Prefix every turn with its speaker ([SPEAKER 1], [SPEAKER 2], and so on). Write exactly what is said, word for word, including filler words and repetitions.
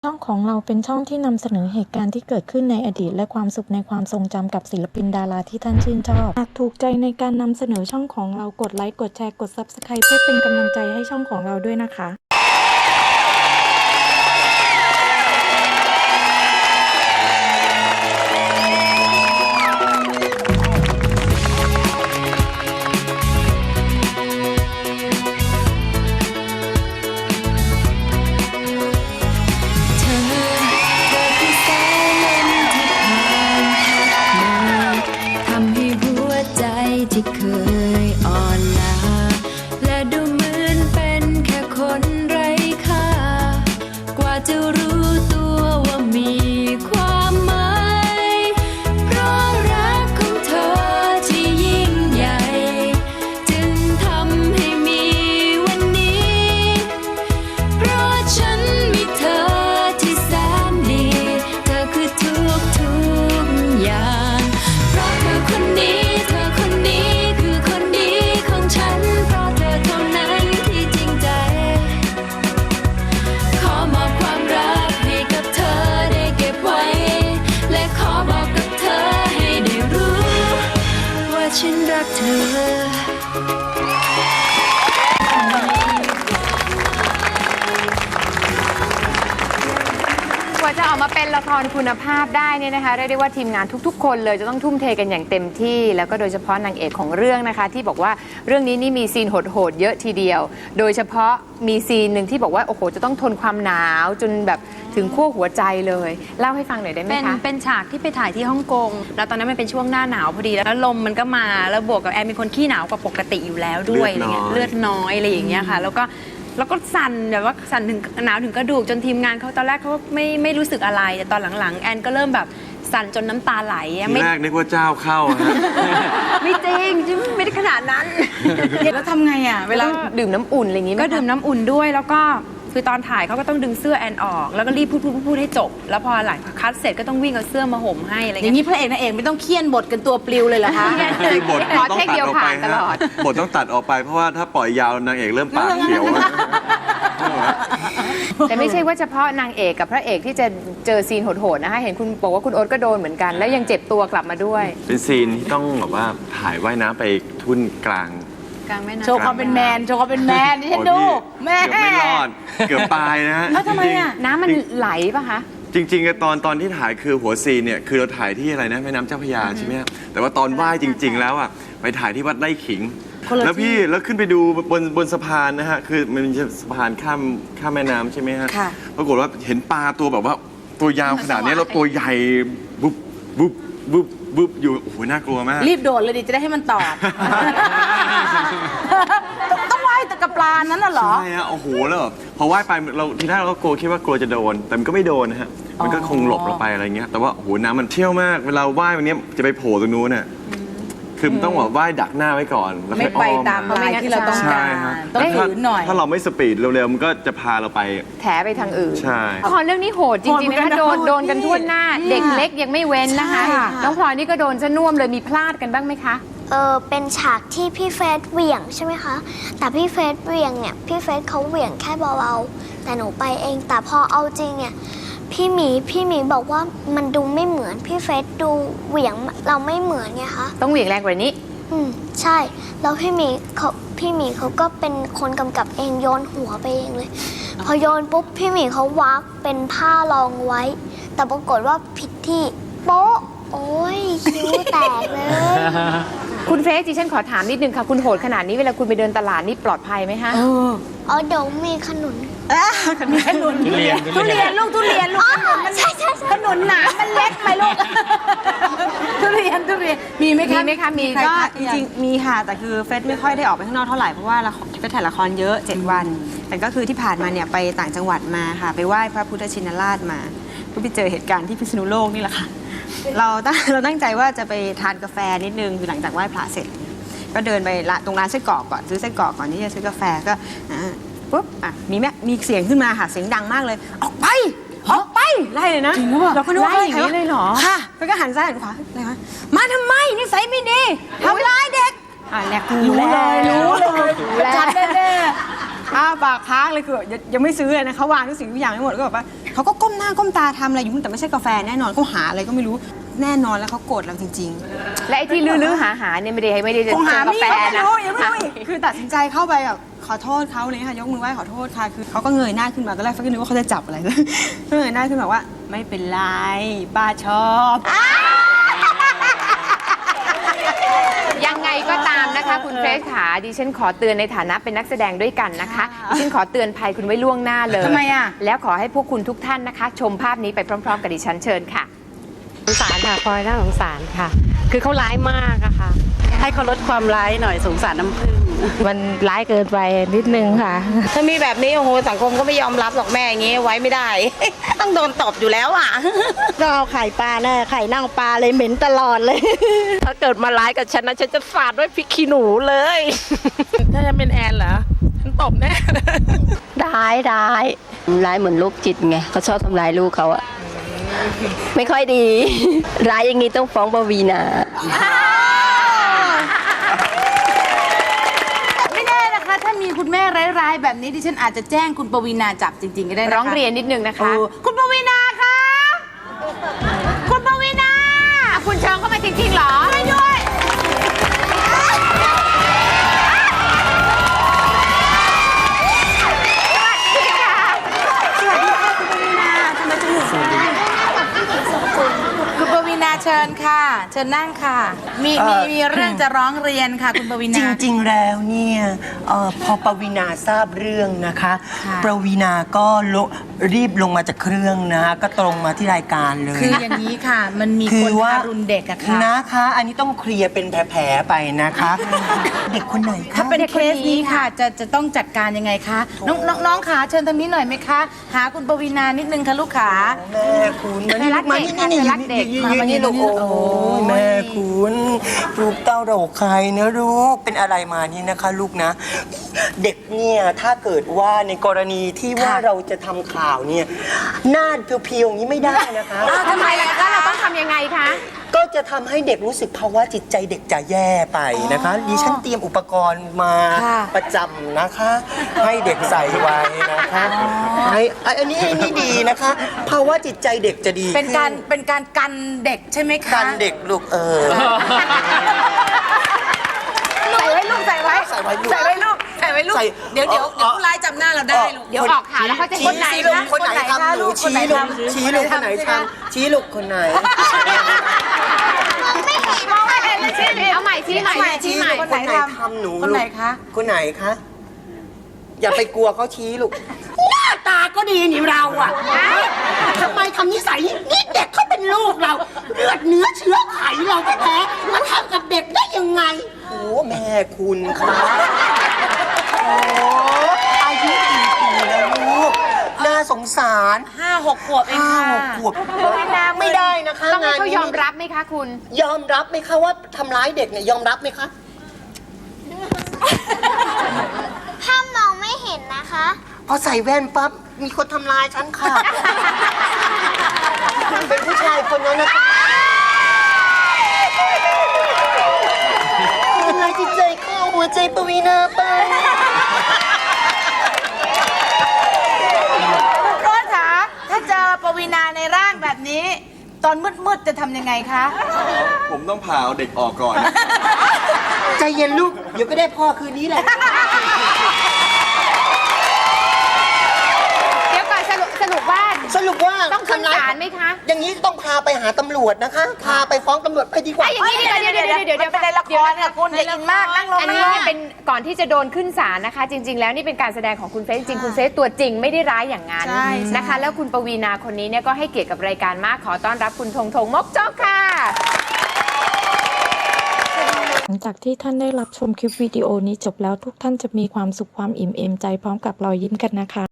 [SPEAKER 1] ช่องของเราเป็นช่องที่นำเสนอเหตุการณ์ที่เกิดขึ้นในอดีตและความสุขในความทรงจำกับศิลปินดาราที่ท่านชื่นชอบหากถูกใจในการนำเสนอช่องของเรากดไลค์กดแชร์กด ซับสไครบ์ เพื่อเป็นกำลังใจให้ช่องของเราด้วยนะคะ
[SPEAKER 2] ที่เคยอ่อนล้าและดูเหมือนเป็นแค่คนไร้ค่ากว่าจะรู้ตัวว่ามีความหมายเพราะรักของเธอที่ยิ่งใหญ่จึงทำให้มีวันนี้เพราะฉันมีเธอที่แสนดีเธอคือทุกทุกอย่างเพราะเธอคนนี้ฉันรักเธอกว่าจะออกมาเป็นละครคุณภาพได้เนี่ยนะคะเรียกได้ว่าทีมงานทุกๆคนเลยจะต้องทุ่มเทกันอย่างเต็มที่แล้วก็โดยเฉพาะนางเอกของเรื่องนะคะที่บอกว่าเรื่องนี้นี่มีซีนโหดๆเยอะทีเดียวโดยเฉพาะมีซีนหนึ่งที่บอกว่าโอ้โหจะต้องทนความหนาวจนแบบถึงขั้วหัวใจเลยเล่าให้ฟังหน่อยได้ไหมคะ
[SPEAKER 3] เป็นเป็นฉากที่ไปถ่ายที่ฮ่องกงแล้วตอนนั้นมันเป็นช่วงหน้าหนาวพอดีแล้วลมมันก็มาแล้วบวกกับแอนเป็นคนขี้หนาวกว่าปกติอยู่แล้วด้วยอะไรเงี้ยเลือดน้อยอะไรอย่างเงี้ยค่ะแล้วก็แล้วก็สั่นแบบว่าสั่นถึงหนาวถึงกระดูกจนทีมงานเขาตอนแรกเขาไม่ไม่รู้สึกอะไรแต่ตอนหลังๆแอนก็เริ่มแบบสั่นจนน้ำตาไหล
[SPEAKER 4] ทีแรกนึกว่าเจ้าเข้าฮะ
[SPEAKER 3] ไม่จริงไม่ได้ขนาดนั้น
[SPEAKER 5] แล้วทำไงอ่ะเวลา
[SPEAKER 3] ดื่มน้ำอุ่นอะไรอย่างงี้ก็ดื่มน้ำอุ่นด้วยแล้วก็คือตอนถ่ายเขาก็ต้องดึงเสื้อแอนออกแล้วก็รีบพูดพูดพูดให้จบแล้วพอหลังคัดเสร็จก็ต้องวิ่งเอาเสื้อมาห่มให้อะไร
[SPEAKER 5] อย่างนี้พระเอกนางเอกไม่ต้องเคี่ยนบทกันตัวปลิวเลยเหรอคะ
[SPEAKER 4] คือบทต้องตัดออกไปฮะบทต้องตัดออกไปเพราะว่าถ้าปล่อยยาวนางเอกเริ่มปากเขียว
[SPEAKER 3] แต่ไม่ใช่ว่าเฉพาะนางเอกกับพระเอกที่จะเจอซีนโหดๆนะคะเห็นคุณบอกว่าคุณโอ๊ตก็โดนเหมือนกันแล้วยังเจ็บตัวกลับมาด้วย
[SPEAKER 4] เป็นซีนที่ต้องแบบว่าถ่ายว่ายน้ำไปทุ่นกลาง
[SPEAKER 5] โชว์ความเป็นแมนโชว์ความเป็นแมนนี่ฉันดูแม่
[SPEAKER 4] เกือบไม่รอดเกือบตายนะฮะ
[SPEAKER 5] แล้วทำไมอ่ะ
[SPEAKER 3] น้ำมันไหลป่ะคะ
[SPEAKER 4] จริงๆตอนตอนที่ถ่ายคือหัวซีนเนี่ยคือเราถ่ายที่อะไรนะแม่น้ำเจ้าพระยาใช่ไหมแต่ว่าตอนว่ายจริงๆแล้วอ่ะไปถ่ายที่วัดไร่ขิงแล้วพี่แล้วขึ้นไปดูบนบนสะพานนะฮะคือมันเป็นสะพานข้ามข้ามแม่น้ำใช่ไหมฮะปรากฏว่าเห็นปลาตัวแบบว่าตัวยาวขนาดนี้แล้วตัวใหญ่บุ๊บบุ๊บบุ๊บบุ๊บอยู่โอ้โหน่ากลัวมาก
[SPEAKER 5] รีบโดดเลยดิจะได้ให้มันตอดต้องว่ายแต่กับปลานั้นน่ะเหรอ
[SPEAKER 4] ใช่ฮะโอ้โหแล้วพอว่ายไปเราทีแรกเราก็กลัวคิดว่ากลัวจะโดนแต่มันก็ไม่โดนนะฮะมันก็คงหลบเราไปอะไรเงี้ยแต่ว่าโอ้โหน้ำมันเชี่ยวมากเวลาว่ายวันนี้จะไปโผล่ตรงนู้นน่ะคือมันต้องแบบว่ายดักหน้าไว้ก่อนแล้ว
[SPEAKER 5] ไม่ไปตามลายที่เราต้องการต้องถือหน่อย
[SPEAKER 4] ถ้าเราไม่สปีดเร็วๆมันก็จะพาเราไป
[SPEAKER 3] แถไปทางอื่น
[SPEAKER 4] ใช่
[SPEAKER 3] พอเรื่องนี้โหดจริงๆนะคะโดนโดนกันทั่วหน้าเด็กเล็กยังไม่เว้นนะคะน้องพลอยนี่ก็โดนซะน่วมเลยมีพลาดกันบ้างไหมคะ
[SPEAKER 6] เออเป็นฉากที่พี่เฟสเหวี่ยงใช่ไหมคะแต่พี่เฟสเหวี่ยงเนี่ยพี่เฟสเขาเหวี่ยงแค่เบาๆแต่หนูไปเองแต่พอเอาจริงเนี่ยพี่หมีพี่หมีบอกว่ามันดูไม่เหมือนพี่เฟสดูเหวี่ยงเราไม่เหมือนไงคะ
[SPEAKER 3] ต้องเหวี่ยงแรงกว่านี้
[SPEAKER 6] อืมใช่แล้วพี่หมีเขาพี่หมีเขาก็เป็นคนกำกับเองโยนหัวไปเองเลยพอโยนปุ๊บพี่หมีเขาวักเป็นผ้ารองไว้แต่ปรากฏว่าผิดที่โป๊ะโอ้ยคิ้วแตกเลย
[SPEAKER 3] คุณเฟสดิฉันขอถามนิดนึงค่ะคุณโหดขนาดนี้เวลาคุณไปเดินตลาดนี่ปลอดภัยไหมฮะ
[SPEAKER 6] อ๋อเดี๋ยวมีขนุน
[SPEAKER 5] มีขนุนทุเรียนทุเรียนลูกทุเรียนลูกขนุนมัน
[SPEAKER 6] ใช่ใช่
[SPEAKER 5] ขนุนหนามันเล็กไหมลูกทุเรียนทุเรียนมีไหมคะ
[SPEAKER 3] มีไหมคะมี
[SPEAKER 7] ก็จริงๆมีค่ะแต่คือเฟสไม่ค่อยได้ออกไปข้างนอกเท่าไหร่เพราะว่าเฟสถ่ายละครเยอะเจ็ดวันแต่ก็คือที่ผ่านมาเนี่ยไปต่างจังหวัดมาค่ะไปไหว้พระพุทธชินราชมาก็ไปเจอเหตุการณ์ที่พิษณุโลกนี่แหละค่ะเราตั้งเราตั้งใจว่าจะไปทานกาแฟนิดนึงคือหลังจากไหว้พระเสร็จก็เดินไปตรงร้านไส้กรอกก่อนซื้อไส้กรอกก่อนที่จะซื้อกาแฟก็ปุ๊บอ่ะมีแม่มีเสียงขึ้นมาค่ะเสียงดังมากเลยออกไปออกไปไล่เลยนะ
[SPEAKER 5] จริงหรือเปล่า
[SPEAKER 7] เราก็นึกว่า
[SPEAKER 3] ไล่อย่างนี้เลยเหรอ
[SPEAKER 7] ค่ะแล้วก็หันซ้ายหันขวาอะไรวะมาทำไมนิสัยไม่ดีทำร้ายเด็กอ่ะแหลกรู้
[SPEAKER 5] เลยรู้เลยจัดแน่
[SPEAKER 7] อ้าปากค้างเลยคือยังไม่ซื้อเลยนะเขาวางทุกสิ่งทุกอย่างให้หมดก็แบบว่าเขาก็ก้มหน้าก้มตาทำอะไรอยู่แต่ไม่ใช่กาแฟแน่นอนเขาหาอะไรก็ไม่รู้แน่นอนแล้วเขาโกรธเราจริง
[SPEAKER 5] และไอ้ที่ลื้อๆหาหาเนี่ยไม่ได้ไม่ได้
[SPEAKER 7] ๆคงหา
[SPEAKER 5] เจอกา
[SPEAKER 7] ไม่
[SPEAKER 5] แฟ
[SPEAKER 7] ไม่
[SPEAKER 5] นะ
[SPEAKER 7] รู้ยังไม่รู้อีกคือตัดสินใจเข้าไปแบบขอโทษเขาเลยค่ะยกมือไหว้ขอโทษค่ะคือเขาก็เงยหน้าขึ้นมาตอนแรกเฟซก็นึกว่าเขาจะจับอะไร ก็เงยหน้าขึ้นมาว่าไม่เป็นไรป้าชอบ
[SPEAKER 5] ยังไงก็ตามนะคะคุณเฟรชขาดิฉันขอเตือนในฐานะเป็นนักแสดงด้วยกันนะคะดิฉันขอเตือนภัยคุณไว้ล่วงหน้าเลยทำไมอ่ะแล้วขอให้พวกคุณทุกท่านนะคะ ชมภาพนี้ไปพร้อม ๆ กับดิฉันเชิญค่ะ
[SPEAKER 8] สงสารค่ะพลอยน่าสงสารค่ะ คือเขาร้ายมากอะค่ะ ให้เขาลดความร้ายหน่อยสงสารน้ำผึ้งมันร้ายเกินไปนิดนึงค่ะ ถ้ามีแบบนี้โอ้โหสังคมก็ไม่ยอมรับหรอกแม่อย่างงี้ไว้ไม่ได้ ต้องโดนตบอยู่แล้วอ่ะ
[SPEAKER 9] ต้องเอาไข่ปลาแน่ไข่เน่าปลาเลยเหม็นตลอดเลย
[SPEAKER 8] ถ้าเกิดมาร้ายกับฉันนะฉันจะสาดด้วยพริกขี้หนูเลย ถ้าฉันเป็นแอนเหรอฉันตบแน่
[SPEAKER 10] ร้ายร้ายร้ายเหมือนลูกจิตไงเขาชอบทำร้ายลูกเขาอะไม่ค่อยดี ร้ายอย่างนี้ต้องฟ้องปวีณา
[SPEAKER 5] ไม่แน่นะคะ ถ้ามีคุณแม่ร้ายๆแบบนี้ดิฉันอาจจะแจ้งคุณปวีณาจับจริงๆก็ได้นะคะ
[SPEAKER 3] ร้องเรียนนิดนึงนะคะ
[SPEAKER 5] โอ้คุณปวีณาคะคุณปวีณา
[SPEAKER 3] คุณเชิญเข้ามาจริงๆเหรอ
[SPEAKER 5] ช่วยด้วย คุณปวีณาเชิญค่ะ เชิญนั่งค่ะ มีมีมีเรื่องจะร้องเรียนค่ะ คุณปวี
[SPEAKER 11] จ
[SPEAKER 5] ณา
[SPEAKER 11] ริงๆ แล้วเนี่ยเออพอปวีณาทราบเรื่องนะคะ
[SPEAKER 5] ค่ะ
[SPEAKER 11] ปวีณาก็ลงรีบลงมาจากเครื่องนะคะก็ตรงมาที่รายการเลย
[SPEAKER 5] คืออย่างนี้ค่ะ มันมี
[SPEAKER 11] คื
[SPEAKER 5] ค
[SPEAKER 11] อน ว่า
[SPEAKER 5] ทารุณเด็กอะค่ะ
[SPEAKER 11] นะคะ อันนี้ต้องเคลียร์เป็นแผลๆไปนะคะ เด็กคนไหนคะ
[SPEAKER 5] ถ้าเป็นเคสนี้ค่ะจะจะต้องจัดการยังไงคะน้องน้องน้องขาเชิญทางนี้หน่อยไหมคะ หาคุณปวีณานิดนึงค่ะลูกขา
[SPEAKER 11] แม่คุณมานี่
[SPEAKER 5] รัก
[SPEAKER 11] มา
[SPEAKER 5] เด็
[SPEAKER 11] นี่
[SPEAKER 5] ก
[SPEAKER 11] นี่
[SPEAKER 5] ค่ะรักเด็ก
[SPEAKER 11] ยืน
[SPEAKER 5] มามานี่
[SPEAKER 11] ยืนลูก
[SPEAKER 5] ลู
[SPEAKER 11] โอ้
[SPEAKER 5] กโอ้ย
[SPEAKER 11] ยแม่คุณลูกเต้าเราใครเนะลูกเป็นอะไรมานี่นะคะ ลูกนะ เด็กเนี่ยถ้าเกิดว่าในกรณีที่ว่าเราจะทำข่าวเนี่ยหน้าเพียวๆอย่างนี้ไม่ได้นะคะ
[SPEAKER 5] อ้าวทำไมล่ะคะ
[SPEAKER 3] เราต้องทำยังไงคะ
[SPEAKER 11] ก็จะทำให้เด็กรู้สึกภาวะจิตใจเด็กจะแย่ไปนะคะดิฉันเตรียมอุปกรณ์มา
[SPEAKER 5] ค่ะ
[SPEAKER 11] ประจำนะคะ ให้เด็กใส่ไว้นะคะให้อันนี้อันนี้ดีนะคะ ภาวะจิตใจเด็กจะดี
[SPEAKER 5] เป็นการ
[SPEAKER 11] ขึ้
[SPEAKER 5] เป็นการกันเด็กใช่ไหมคะ
[SPEAKER 11] กันเด็กลูกเออ
[SPEAKER 5] ใส่ไว้ลูกใส่ไว้
[SPEAKER 11] ใส่ไว้ลูก
[SPEAKER 5] ใส่ไว้ลูกใส่ไว้ลูก
[SPEAKER 11] ใส่
[SPEAKER 5] เดี๋ยวเดี๋ยว
[SPEAKER 11] เอ่อ
[SPEAKER 5] เดี๋ยวผู้ร้ายจำหน้าเราได้ลูก
[SPEAKER 3] เดี๋ยวออกข่าวแล้วเขาจะ
[SPEAKER 11] ชี้
[SPEAKER 3] เห็นไหน
[SPEAKER 11] ชี้ลูก
[SPEAKER 3] คะ
[SPEAKER 11] คนไหนทำหนู
[SPEAKER 5] คนไหน
[SPEAKER 11] ชี้ลูก
[SPEAKER 5] ทำ
[SPEAKER 11] ชี้ลูกคนไหนทำชี้ลูกคนไหน
[SPEAKER 5] มองไม่เห็นเลยชี้ดิ
[SPEAKER 3] เอาใหม่ชี้ใหม่
[SPEAKER 5] เอาใหม่
[SPEAKER 3] ชี้ใหม่
[SPEAKER 5] คนไหนท
[SPEAKER 11] ทำหนู
[SPEAKER 5] ำคนไหนคะ
[SPEAKER 11] คนไหนคะ อย่าไปกลัวเขาชี้ลูก
[SPEAKER 9] หน้าตาก็ดีนี่เราอะทำไมทำนิสัยนี้นี่เด็กเขาเป็นลูกเรา เลือดเนื้อเชื้อไขเราแท้ๆมาทำกับเด็กได้ยังไง
[SPEAKER 11] โอ้แม่คุณคะโอ้อายุกี่ปีแล้วลูก น่าสงสาร
[SPEAKER 5] ห้าหกขวบเอง
[SPEAKER 11] ห้า
[SPEAKER 5] ค่ะ
[SPEAKER 11] หกขวบไม่ได้นะคะ
[SPEAKER 3] ต้องให้
[SPEAKER 11] งาน
[SPEAKER 3] เขา
[SPEAKER 11] นี้
[SPEAKER 3] ยอมรับไหมคะคุณ
[SPEAKER 11] ยอมรับไหมคะว่าทำร้ายเด็กเนี่ยยอมรับไหมคะ
[SPEAKER 6] ถ้ามองไม่เห็นนะคะ
[SPEAKER 11] พอใส่แว่นปั๊บมีคนทำร้ายฉันค่ะ เป็นผู้ชายคนนั้นนะคะทำร้ายจิตใจเข้าหัวใจปวีณาไป
[SPEAKER 5] โรสขาถ้าเจอปวีณาในร่างแบบนี้ ตอนมืดๆจะทำยังไงคะ
[SPEAKER 4] ผมต้องผ่าเอาเด็กออกก่อน
[SPEAKER 11] ใจเย็นลูก เดี๋ยวก็ได้พ่อคืนนี้แหละ
[SPEAKER 3] เดี๋ยวก่อนสรุปสรุปว่า
[SPEAKER 11] สรุปว่า
[SPEAKER 3] ต้องขึ้นศาลไหมคะ
[SPEAKER 11] อย่างนี้ต้องพาไปหาตำรวจนะคะ พาไปฟ้องตำรวจไปดีกว่า
[SPEAKER 3] ไอ้อย่างนี้ดีกว่าเดี๋ยวเดี๋ยวเดี๋ยวเดี๋ยว
[SPEAKER 5] มันเป็นในละครค่ะคุณอย่าอินมากนั่งลง
[SPEAKER 3] อันนี้เนี่ยเป็นก่อนที่จะโดนขึ้นศาลนะคะ จริง ๆ แล้วนี่เป็นการแสดงของคุณเฟซจริงๆคุณเฟซตัวจริงไม่ได้ร้ายอย่างนั้นนะคะ แล้วคุณปวีณาคนนี้เนี่ยก็ให้เกียรติกับรายการมากขอต้อนรับคุณธงธงมกจกค่ะ
[SPEAKER 1] หลังจากที่ท่านได้รับชมคลิปวิดีโอนี้จบแล้วทุกท่านจะมีความสุขความอิ่มเอมใจพร้อมกับรอยยิ้มกันนะคะ